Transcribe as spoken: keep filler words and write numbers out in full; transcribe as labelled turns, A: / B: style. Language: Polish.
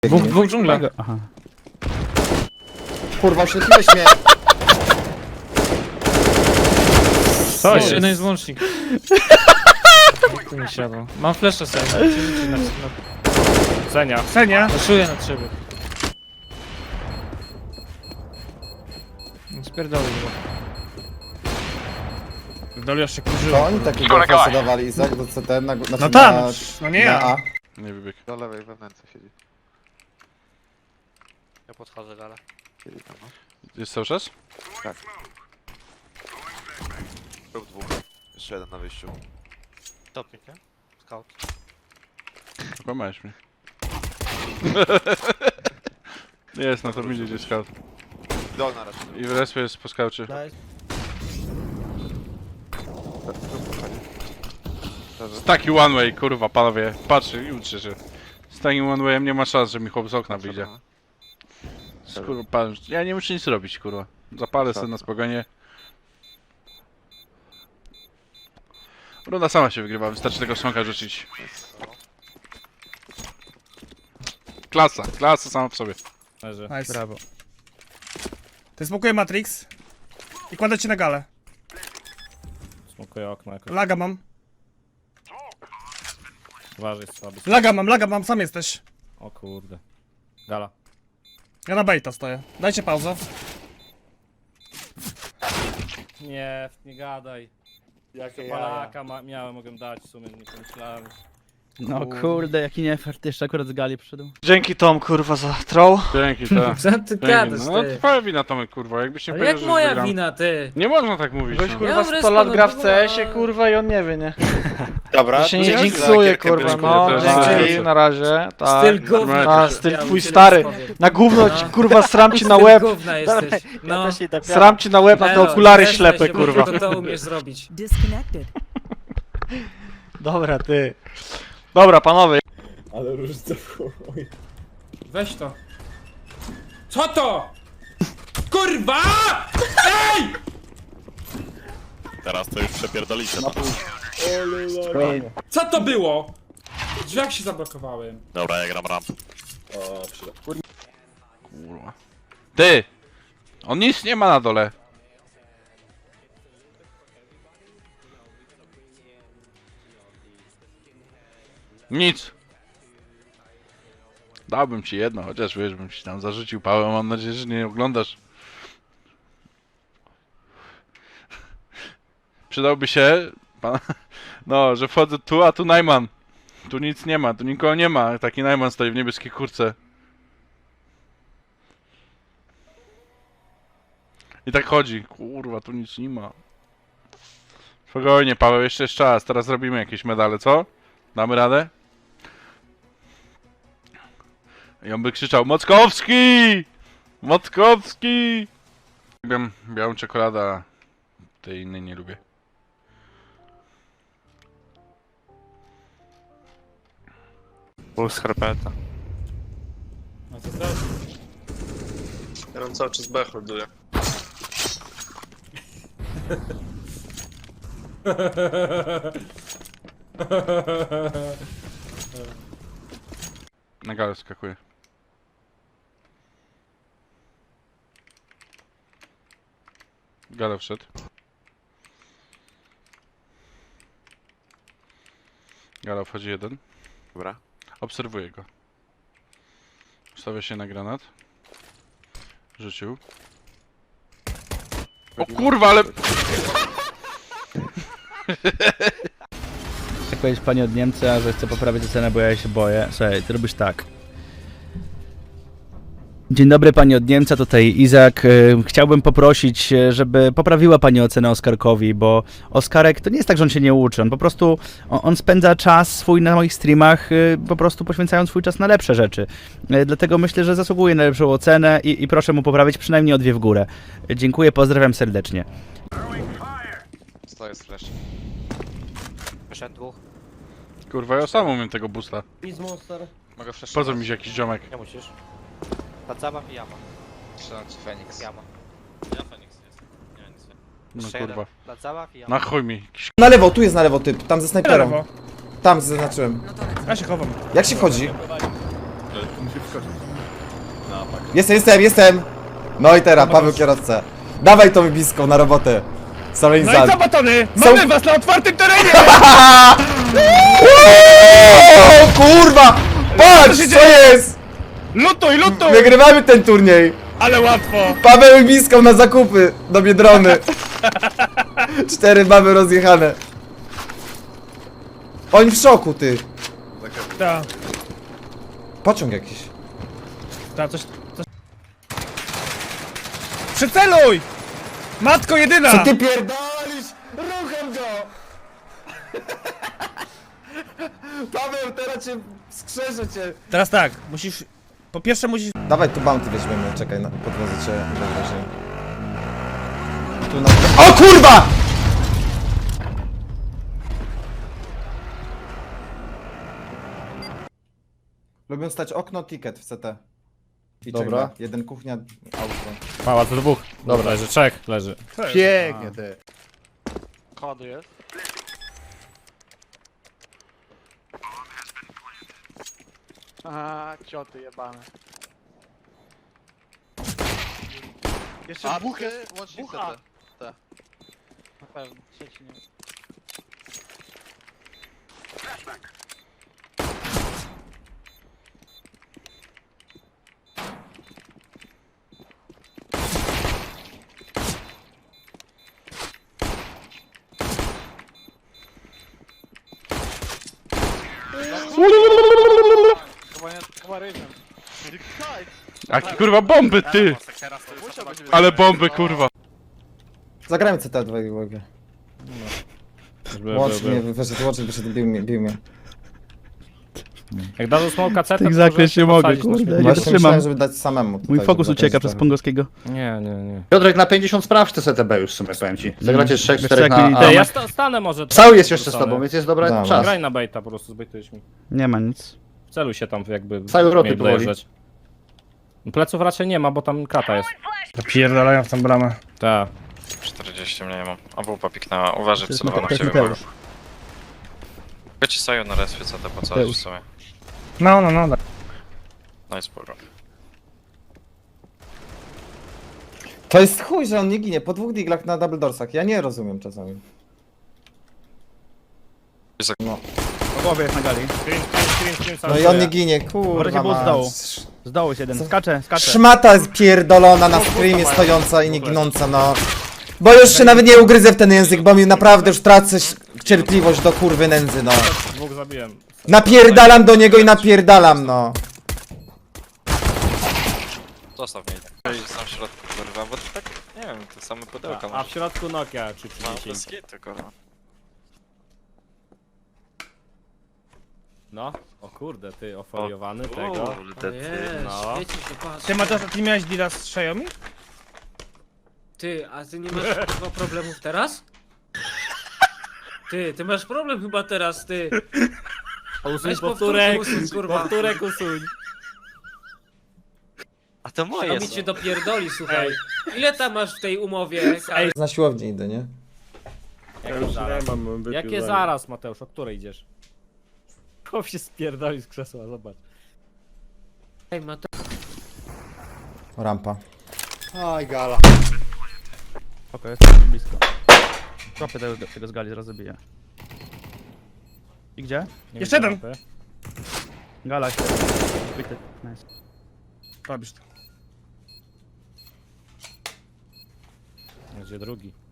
A: Dwóch, dwóch dżungla.
B: Aha.
C: Kurwa, oślepiłeś mnie!
A: Co
B: jest?
A: jeden jest łącznik. Jak tu mi siadło. Mam flasha sobie. Przerzucić na przykład.
B: Senia. Senia!
A: Zaszuję na trzeby. Spierdolę go.
B: Doli jeszcze kurzyło.
C: To oni takiego fasa dawali, Izak, do C T, na, na,
B: No tam,
C: na,
B: no nie
C: na
B: ja.
C: A.
D: Nie wybieg.
E: Do lewej wewnętrznie siedzi.
F: Ja podchodzę dalej.
E: Siedzi tam, no.
D: Jest cały czas?
E: Był dwóch. Jeszcze jeden na wyjściu.
F: Topnik, nie? Scout.
D: Okłamałeś mnie. Jest, na to idzie gdzieś scout.
E: Dolna raczej.
D: I w respie jest po skaucie. Z taki one way, kurwa, panowie. Patrzcie i uczcie się. Z takim one wayem nie ma szans, że mi chłop z okna wyjdzie. Kurwa, pan, ja nie muszę nic robić, kurwa. Zapalę sobie na spokojnie. Runda sama się wygrywa, wystarczy tego smoka rzucić. Klasa, klasa sama w sobie.
B: Leży.
G: Nice.
B: Brawo.
G: Ty smokuje Matrix i kładę cię na galę.
B: Smokuję okno jakoś.
G: Laga mam.
B: Uważaj, słaby.
G: Laga mam, laga mam, sam jesteś.
B: O kurde. Gala.
G: Ja na baita stoję. Dajcie pauzę.
B: Nie, nie gadaj.
F: Jakie
B: Palaka ma, miałem, mogłem dać w sumie, nie pomyślałem.
H: No kurde, jaki niefart, jeszcze akurat z gali przyszedł.
F: Dzięki Tom, kurwa, za troll.
D: Dzięki, tak.
A: Co ty gadasz,
D: No
A: ty?
D: twoja wina, Tomek, kurwa, jakbyś nie
A: Ale
D: powiedział,
A: jak
D: że
A: moja
D: wygram.
A: wina, ty?
D: Nie można tak mówić,
F: Gość,
D: no.
F: kurwa,
A: Ja
F: sto
A: wreszcie
F: lat
A: no
F: gra w
A: było-
F: C S-ie, kurwa, i on nie wie, nie?
E: Dobra,
F: Ja się nie
D: dzięki
F: jinxuje,
E: za
F: kurwa,
E: gierkę,
F: no.
D: też
F: Dzięki,
D: lecę.
F: na razie. Tak.
A: Styl gówna.
D: A,
F: styl
A: Ja
F: twój
A: tyle
F: stary.
A: powiem.
F: Na gówno ci,
A: No.
F: kurwa, sram ci na
A: Styl
F: łeb.
A: gówna jesteś. No.
F: Sram ci na łeb na te
A: Elo,
F: okulary
A: przestań
F: ślepe,
A: się, bo
F: kurwa.
A: tylko to umiesz zrobić.
I: Disconnected.
F: Dobra, ty. Dobra, panowie.
C: Ale różnica w chuj.
A: Weź to. Co to? Kurwa! Ej!
J: Teraz to już przepierdolicie. No.
A: Co to było? W drzwiach się zablokowałem.
J: Dobra, ja gram ramp.
D: Kurwa. Ty! On nic nie ma na dole. Nic. Dałbym ci jedno, chociaż wiesz, bym ci tam zarzucił pałę, mam nadzieję, że nie oglądasz. Przydałby się, pan, no, że wchodzę tu, a tu Najman. Tu nic nie ma, tu nikogo nie ma, taki Najman stoi w niebieskiej kurce. I tak chodzi, kurwa, tu nic nie ma. Spokojnie, Paweł, jeszcze jest czas, teraz robimy jakieś medale, co? Damy radę? I on by krzyczał, Mockowski! Mockowski! Lubię białą czekoladę, a tej innej nie lubię.
F: Był skarpeta.
B: No co teraz?
E: Ja mam cały czas B holduję.
D: Na galę skakuje. Gala wszedł. Gala wchodzi jeden.
E: Dobra.
D: Obserwuję go. Stawia się na granat. Rzucił. O kurwa, ale...
H: Jak powiedzieć pani od Niemca, że chce poprawić ocenę, bo ja się boję. Słuchaj, ty robisz tak. Dzień dobry pani od Niemca, tutaj Izak. Y, Chciałbym poprosić, y, żeby poprawiła pani ocenę Oskarkowi, bo Oskarek to nie jest tak, że on się nie uczy, on po prostu, on, on spędza czas swój na moich streamach, y, po prostu poświęcając swój czas na lepsze rzeczy. Y, Dlatego myślę, że zasługuje na lepszą ocenę i, i proszę mu poprawić przynajmniej o dwie w górę. Y, Dziękuję, pozdrawiam serdecznie.
E: Stoję z flash.
F: Wyszedł dwóch.
D: Kurwa, ja sam umiem tego boosta.
F: Nic monster.
E: Mogę flash.
D: Po co mi się jakiś ziomek?
F: Nie musisz. Ta zabaw i jama.
E: Strzelam ci Feniks.
F: Jama.
J: Ja Feniks jest. Nie, nic nie.
D: No
F: Jeszcze
D: kurwa.
F: jeden. Ta zabaw i jama.
D: Na chuj mi. Jakiś
C: Na lewo, tu jest na lewo typ, tam ze snajperą.
G: Lewo.
C: Tam zaznaczyłem.
G: Ja się chowam.
C: Jak się wchodzi? Jestem, jestem, jestem! No i teraz, Paweł kierowca. Dawaj tą wybiską na robotę.
G: No i
C: Solenizant.
G: co, batony?
C: Są-
G: Mamy was na otwartym terenie!
C: O kurwa! Patrz,
G: się
C: co
G: dzieje?
C: jest?
G: Lutuj, lutuj!
C: Wygrywamy ten turniej.
G: Ale łatwo!
C: Paweł wybiską na zakupy do Biedrony. Cztery mamy rozjechane. Oni w szoku, ty.
G: Ta,
C: Pociąg jakiś.
G: ta, coś, coś... Przyceluj! Matko jedyna!
C: Ty pierdolisz? Ruchem go! Paweł, teraz cię skrzeszę cię.
G: Teraz tak, musisz... Po pierwsze musisz...
C: Dawaj, tu bounty weźmiemy, czekaj, na, podwiozę cię najwyżej. Tu na... O kurwa! Lubią stać okno, ticket w C T. I
I: Dobra.
C: czeka. Jeden kuchnia, auto.
B: Mała, to dwóch. Dobra, leży, trzech leży.
I: Pięknie, ty.
F: Kody jest.
I: Aha, cioty jebane. Jeszcze dwóch jest,
E: łącznie
I: dwóch
E: C
I: A.
E: T.
F: Na pewno, trzeci nie. Chyba nie, chyba ryżem.
D: Jaki kurwa bomby, ty! Ale bomby, kurwa.
C: Zagrajmy C T dwojga uwagę.
B: Był,
C: Łącz
B: był,
C: mnie,
B: był.
C: wyszedł, łącz wyszedł, bił mnie, bił mnie.
B: Jak dadzą smoka C, to
H: Tak zakres nie mogę, kurde. Nie
C: Właśnie
H: wytrzymam.
C: myślałem, żeby dać samemu.
H: Mój
C: tutaj,
H: fokus
C: żeby
H: ucieka
C: zakręcić
H: przez
C: trochę.
H: Pongowskiego.
B: Nie, nie, nie.
I: Piotrek, na pięćdziesiąt sprawdź te C T B już w sumie, powiem ci. Zagracie trzech,
H: Wiesz,
I: czterech
H: jak mieli
I: na
B: Ej,
I: A.
B: ja sta stanę może.
I: Cały jest jeszcze z
B: Stanę.
I: tobą, więc jest dobry
C: Dobra.
I: czas.
B: Graj na baita, po prostu zbejtujesz mi.
H: Nie ma nic.
B: Celuj się tam jakby.
I: Całej Europy
B: mieli
I: powoli.
B: dojeżdżać. Pleców raczej nie ma, bo tam krata jest.
G: Pierdalają w tą bramę.
B: Tak.
J: czterdzieści mnie nie mam. A wupa piknęła. Uważaj,
H: To jest
J: wcelowano w
H: Mateusz.
J: ciebie uwaga. Wiecie, Saju na respie C T po coś w sumie.
G: No, no, no.
J: No i spoko.
C: To jest chuj, że on nie ginie po dwóch diglach na double doorsach. Ja nie rozumiem czasami. No,
H: Po głowie jest na gali.
B: Screen, screen, screen,
C: no i on nie ginie, kurwa.
H: Wreszcie było z
C: mać.
H: dołu. Z dołu jest jeden. Skacze, skacze.
C: Szmata jest pierdolona na screamie stojąca i nie ginąca, no. Bo już się nawet nie ugryzę w ten język, bo mi naprawdę już tracę ś- cierpliwość do kurwy nędzy, no.
B: Dwóch zabiłem.
C: Napierdalam do niego i napierdalam, no.
J: Zostaw mnie. Sam w środku, kurwa, bo to tak, nie wiem, to same pudełka
B: A, a w środku Nokia czy
J: No,
B: trzydzieści.
J: bez kitu, kurwa.
B: No, o kurde, ty ofoliowany tego.
J: Kurde, ty.
B: No.
G: Ty, Mateusz, a ty miałeś deala z Xiaomi?
K: Ty, a ty nie masz chyba problemów teraz? Ty, ty masz problem chyba teraz, ty.
B: Usuń
K: Weź
B: powtórek,
K: powtórkę usuń, kurwa.
B: powtórek usuń.
J: A to moje
K: A mi
J: są.
K: cię dopierdoli, słuchaj. Ile tam masz w tej umowie? Ej,
C: Na siłownię idę, nie?
B: Jakie zaraz? Jakie zaraz, Mateusz, o której idziesz? Chłop się spierdoli z krzesła, zobacz.
K: ej Mateusz.
C: Rampa.
I: Aj, gala.
H: Oko jest blisko. Tropy tego, tego z gali zaraz zabiję. I gdzie?
B: Nie
G: Jeszcze
B: widzę
G: jeden.
B: mapy.
H: Gala się. Zbity. Nice.
G: Robisz to.
B: Gdzie drugi?